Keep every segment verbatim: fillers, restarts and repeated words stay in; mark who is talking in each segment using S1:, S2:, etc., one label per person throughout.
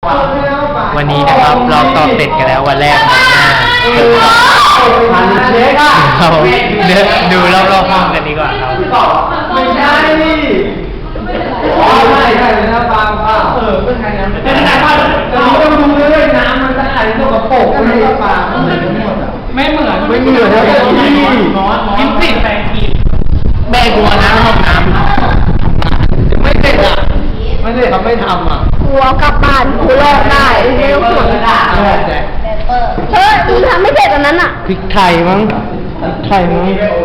S1: วันนี้นะครับเราสอบเสร็จกันแล้ววันแรกของหน้าเราเดินดูรอบๆห้องกันดีกว่าครับ
S2: ไม่ใช่อ๋อใช่ใช่เป็นน้ำปลาปลาเออไม่ใช่น้ำเป็นน้ำปลาเราต้องดูด้วยน้ำมันจะไหลตัวกระโปงไม่ใช่ปลาไม่เหมือนหมดอ่ะไม่เหมือนไม่เหมือนนะกินสิแปลงกินแม่กลัวน้ำห้องน้ำไม่เสร็จอ่ะไม่เสร็จเขาไม่ทำอ่ะ
S3: กลัวกลับบ้านกูรอดได้ไม่ต้องห่วงเฮ้ยมึงทำไม่เสร็จอันนั้นอ่ะ
S1: พริกไทยมั้งพริกไทยมั้ง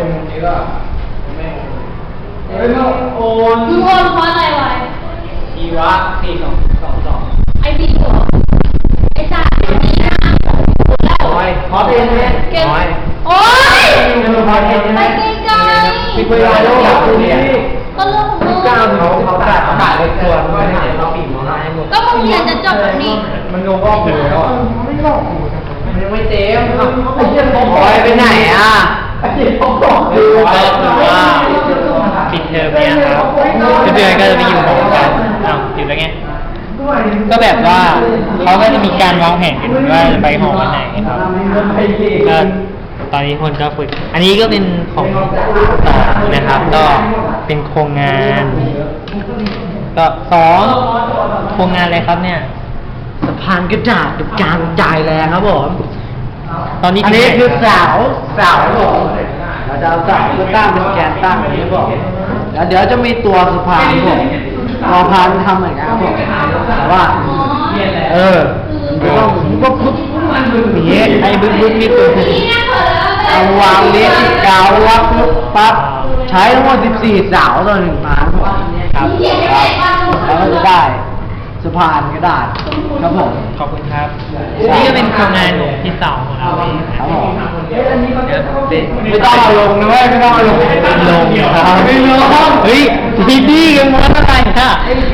S2: เฮ้ยโอน
S4: มึงโอนเพราะอะไรวะ
S2: ชีวะสี่สองสองสอง
S4: ไอ้บีหัวไอ้จ่าดีนะแล้ว
S2: โอ้ยขอเพลงไหม
S4: เก่งโอ้ยไปไกลๆ
S2: มีเวลาแล้วอยากดูนี่
S4: ก็เรื่องของมึง
S2: เก้าเขาเขาตัดตัดเลยตัวไม่ได้เราปีกมันให้หมด
S4: ก็มึงเรียนจะจบแบบนี้
S2: มันโดนรอบหูแล้วอ่ะไม่รอบหูมันยังไม่เต็มไอ้เหี้ยผมบอยไปไหนอ่ะไอ้เหี้ยผมบอกเลย
S1: ก็คือว่าปิดเทอมเนี่ยครับเพื่อนๆก็จะไปอยู่หอกันอ้าวอยู่แล้วไงก็แบบว่าเขาก็จะมีการวางแผนกันว่าจะไปหอวันไหนครับก็ตอนนี้คนก็ฝึกอันนี้ก็เป็นของสองนะครับก็เป็นโครงงานก็สองโครงงานอะไรครับเนี่ย
S2: สะพานกระดาษกับการจ่ายแรงครับผม
S1: ตอนนี้
S2: อันนี้คือเสาเสาผมเราจะเอาเสาเพื่อตั้งเป็นแกนตั้งอย่างนี้บอกแล้วเดี๋ยวจะมีตัวสะพานผมตัวสะพานทำเหมือนกันครับผมแต่ว่าเออต้องปุ๊บปุ๊บ
S1: นี่ไอ้บึ้งบึ้งนี่คือ
S2: เอาวางเลี้ยงกาววัดปุ๊บปั๊บใช้ทั้งหมดสิบสี่เสาต่อหนึ่งพานครับแล้วก็จะได้สะพานกระดาษครับผม
S1: ขอบคุณครับนี่ก็เป็นโครงงานที่สองของเราเอง
S2: ครับผมไม่ต้องเอาลงนะเว้ยไม่ต้องเอาลง
S1: ลงครับ
S2: ไม่ลง
S1: เฮ้ยดีดีกันหมดอะไรค่ะ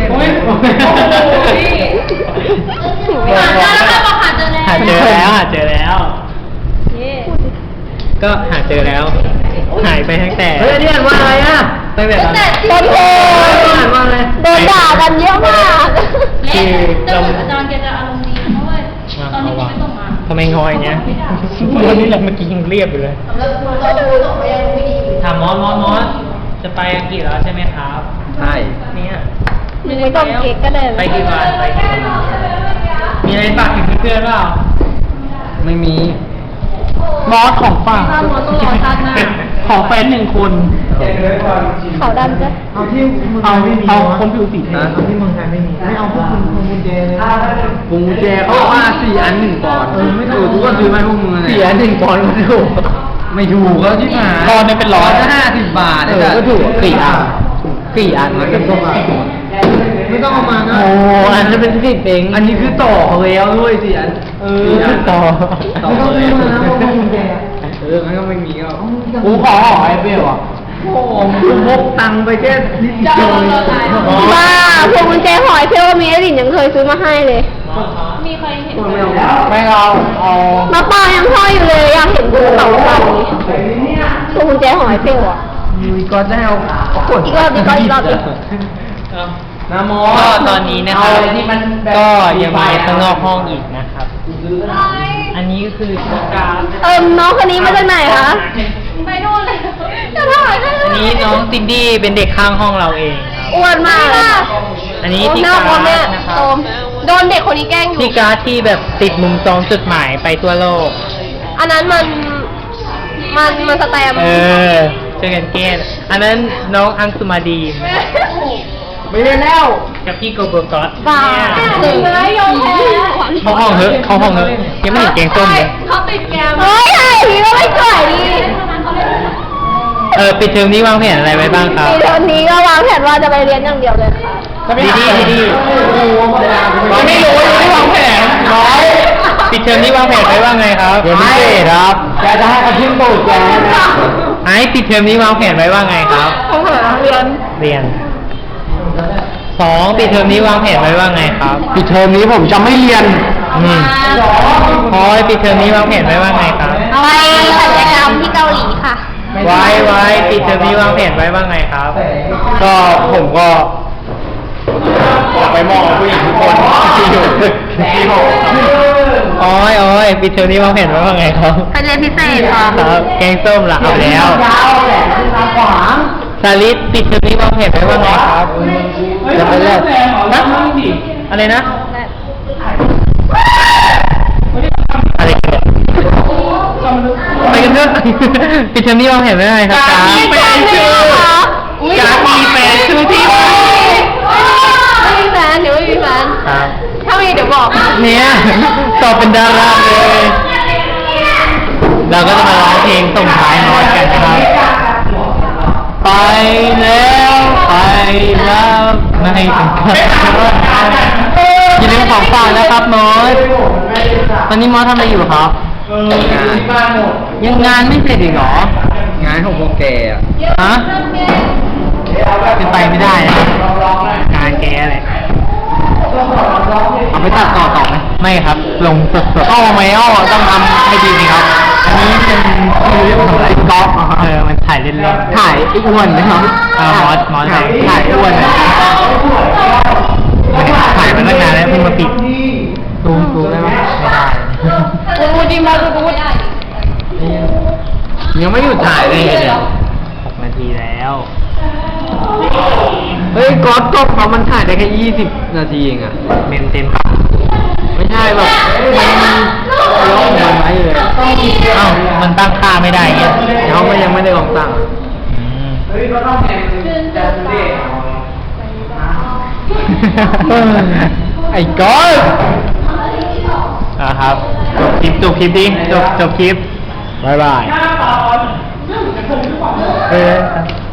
S1: หาเจอแล้วหาเจอแล้วก็หาเจอแล้วหายไปตั้งแต่
S2: เฮ้ยนี่อ่านว่าอะไรอ่ะ
S1: ตั้งแต่
S3: ตอนโดนโดนด่ากันเยอะมาก
S4: คือเราอาจารย์แกจะอารมณ์ดีเพราะว่าตอนนี้ไม่ส่งมา
S1: ทำไมงอยเงี้ยวันนี้เราเมื่อกี้ยังเรียบอยู่เลยถามมอสมอสมอสจะไปอังกฤษแล้วใช่ไหมครับ
S2: ใช่
S1: เนี่ย
S3: ไม่ต้องเก๊กก็ได้
S1: ไปกี่วันไปกี่วันมีอะไรฝากถึงเพื่อนๆเปล่า
S2: ไม่มีมอสของฝาก
S1: ของแฟนหนึ่งคน
S3: เขาดำจ้ะ
S2: เอาที่เอาเอาคนผิวสีนะเอาที่เมืองไทยไม่มีไม่เอาพวกคุณพวงกุญแจเลยพวงกุญแจเขาว่าสี่อันหนึ่งปอนด์เออไม่ถูกทุกคนซื้อไหมพวกมึงสี่อันหนึ่งปอนด์ไม่ถูกไม่ถูกแล้วที่หา
S1: ปอนด์เนี่ยเป็นร้อย
S2: ห้าสิบบาทเออก็ถูกสี่อันสี่อันมันเป็นตัวมาไม่ต้องเอามานะ
S1: โอ้อันนี้เป็นสิบเอง
S2: อันนี้คือต่อแล้วด้วยสี่อัน
S1: เออต่อ
S2: ต่อเลยนะพวกกุญแจเออมันก็ไม่มีก็กูขอหอยเปรี้ยวอ่ะโอ้กูพกตังไปแค่นิดเดียว
S3: บ้าพวงกุญแจหอยเพียวมีไอ้ดินยังเคยซื้อมาให้เลย
S4: มีใครเห็น
S2: ไม่เอาเอา
S3: มาปายังห้อยอยู่เลยอยากเห็นภูเขาไฟพวงกุญแจหอยเพียวอ่ะ
S2: มีก็ได้เอา
S3: อีกรอบอีกรอบอีกรอบ
S2: น้ำมอ
S1: ก็ตอนนี้นะครับก็ยังมีข้างนอกห้องอีกนะครับอันนี้ก็คือการ
S3: เอิมน้องคนนี้มาจากไหนคะ
S4: ไปโน่นเลยจะถ่าย
S1: อันนี้น้องซินดี้เป็นเด็กข้างห้องเราเองครับ
S3: อ้วนมาก
S1: อันนี้ที่การ์ดนะครับ
S3: โดนเด็กคนนี้แกล้งอยู่
S1: ที่การ์ดที่แบบติดมุมซองจดหมายไปทั่วโลก
S3: อันนั้นมันมันมันสแตม
S1: เออช่วยกันแก้อันนั้นน้องอังสุมาดี
S2: ไม่เล่นแล้ว
S1: กับพี่โกโบกอส
S3: บ้า
S4: หนึ่งเลยยอมแพ้
S1: เขาห้องเถอะเขาห้องเถอะยังไม่เห็นแกงส้มเลย
S4: เขาติดแกม
S3: เฮ้ยไอ้พี่ก็ไม่สวยดี
S1: เออปิดเทอมนี้วางแผนอะไรไว้บ้างครับ
S3: ปิดเทอมนี้ก็วางแผนว่าจะไปเรียนอย่างเดียวเลย
S1: ค่ะดีดีดีไม่รู้ไม่วางแผนน้อยปิดเทอมนี้วางแผนไว้ว่าไงครับ
S2: เดี๋ยวพิเศษครับแกจะให้เขาทิ้งตูดแกนะ
S1: ไอ้ปิดเทอมนี้วางแผนไว้ว่าไงครับ
S3: เรียน
S1: เรียนสองปิดเทอมนี้วางแผนไว้ว่าไงครับ
S2: ปิดเทอมนี้ผมจะไม่เรียน
S1: อืมพอยปิดเทอมนี้วางแผนไว้ว่าไงครับ
S3: ไปศัลยกรรมที่เกาหลีค่ะ
S1: ไว้ไว้ปิดเทอมนี้วางแผนไว้ว่าไงครับ
S2: ก็ผมก็อยากไปมองผู้หญิงทุกคนที่อยู่ที่หอ
S1: โอ้ยโอ้ยปิดเทอมนี้มองเห็นไว้ว่าไงครับ
S3: ไปเรียนพิเศษค่ะ
S1: ครับแกงส้มละเอาแล้ว
S2: ยาวแหละขึ้นมาขวาง
S1: สาลิดปิดเทอมนี้มองเห็นไว้ว่าไงครับจะไปเลิกนะอะไรนะอะไรกันไปกันเถอะปิดเทอมนี้มองเห็นไว้ว่าไงครับ
S3: มีแฟนชื่อเหรอ
S1: การมีแฟนชื่อที่
S3: ไม่มีแฟนเดี๋ยวไม่มีแฟน
S1: ครับ
S3: ถ้ามีเดี๋ยวบอก
S1: เนี่ยตอบเป็นดาราเลย เราก็จะมาร้องเพลงส่งท้ายมอสกันนะครับ ไปแล้วไปแล้วไม่ถึงกันอย่าลืมของฝากนะครับมอสตอนนี้มอสทำอะไรอยู่ครับ
S2: เออที่บ้านหมด
S1: ยังงานไม่เสร็จอีกเหรอ
S2: งานของพวกแกอ่ะ
S1: ฮะเป็นไปไม่ได้นะงานแกเลยเอาไปตัดต่อต่อไหมไม่ครับ ลงสดๆอ้อไม่อ้อต้องทำให้ดีสิครับ อันนี้เป็นคือเรื่องของอะไรกอล์ฟเออมันถ่ายเล่นๆถ่ายไอ้อ้วนนะครับอ่ามอสมอสถ่ายถ่ายอ้วนเลยถ่ายมาตั้งนานแล้วเพิ่งมาปิดซูมซูมได้ไหมไม่ได้
S3: พูดดิมาพูด
S1: ยังไม่หยุดถ่ายเลยเนี่ยหกนาทีแล้ว
S2: เฮ้ยก๊อตกล้องเขามันถ่ายได้แค่ยี่สิบนาทีเองอ่ะ
S1: เมมเต็ม
S2: ไม่ใช่แบบมันล็อกมันไว้เลย
S1: เอ้ามันตั้งค่าไม่ได้เงี้ย
S2: เขาก็ยังไม่ได้ลองตั้ง
S1: อืม
S2: เฮ้ยก็ต้องแทนจะเด็ก
S1: ไอ้ก้อนอ่ะครับจบคลิปจบคลิปดิจบจบคลิปบายบายเออ